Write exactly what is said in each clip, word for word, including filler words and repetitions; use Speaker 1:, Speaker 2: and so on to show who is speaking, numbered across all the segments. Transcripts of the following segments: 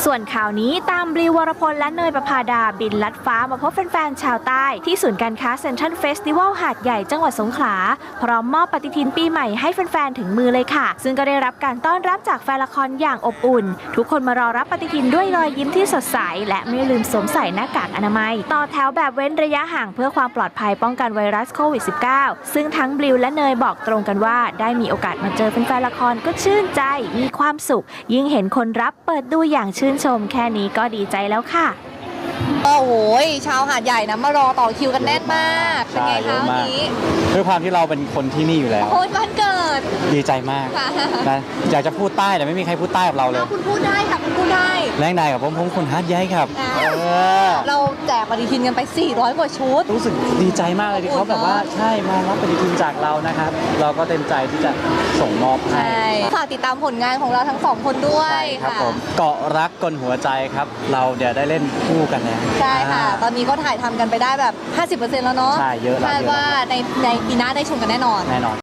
Speaker 1: ส่วนข่าวนี้ตามบลิววรพลและเนยประภาดาบินลัดฟ้ามาพบแฟนๆชาวใต้ที่ศูนย์การค้าเซ็นทรัลเฟสติวัลหาดใหญ่จังหวัดสงขลาพร้อมมอบปฏิทินปีใหม่ให้แฟนๆถึงมือเลยค่ะซึ่งก็ได้รับการต้อนรับจากแฟนละครอย่างอบอุ่นทุกคนมารอรับปฏิทินด้วยรอยยิ้มที่สดใสและไม่ลืมสวมใส่หน้ากากอนามัยต่อแถวแบบเว้นระยะห่างเพื่อความปลอดภัยป้องกันไวรัสโควิด สิบเก้า ซึ่งทั้งบลิวและเนยบอกตรงกันว่าได้มีโอกาสมาเจอแฟนๆละครก็ชื่นใจมีความสุขยิ่งเห็นคนรับเปิดดูอย่างชื่นชมแค่นี้ก็ดีใจแล้วค่ะ
Speaker 2: โอ้โหชาวหาดใหญ่นะมารอต่อคิวกันแน่นมากเป็นไงคะวันนี้
Speaker 3: ด้วยความที่เราเป็นคนที่นี่อยู่แล้ว
Speaker 2: โอ้ยวันเกิด
Speaker 3: ดีใจมากนะอยากจะพูดใต้แต่ไม่มีใครพูดใต้กับเราเลย
Speaker 2: คุณพูดได้ค่ะคุณพูดได้
Speaker 3: แรงใดกับผมผมคนฮาร์ดใหญ่ครับ
Speaker 2: เราแจกปฏิทินกันไปสี่ร้อยกว่าชุด
Speaker 3: รู้สึกดีใจมากเลยที่เขาแบบว่าใช่มารับปฏิทินจากเรานะครับเราก็เต็มใจที่จะส่งมอบให้
Speaker 2: ฝากติดตามผลงานของเราทั้งสองคนด้วย
Speaker 3: ครับผมเกาะรักกลหัวใจครับเราเดี๋ยวได้เล่นคู่กันแล้ว
Speaker 2: ใช่ค่ะตอนนี้ก็ถ่ายทำกันไปได้แบบ ห้าสิบเปอร์เซ็นต์ แล้วเนาะ
Speaker 3: ใช่เยอะแล้ว
Speaker 2: คาดว่าในในปีหน้าได้ชมกันแน่นอน
Speaker 3: แน่นอน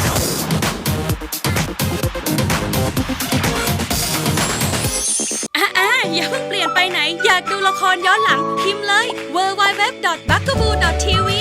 Speaker 4: อ่าอย่าเพิ่งเปลี่ยนไปไหนอยากดูละครย้อนหลังพิมพ์เลย ดับเบิลยู ดับเบิลยู ดับเบิลยู ดอท บักกะบู ดอท ที วี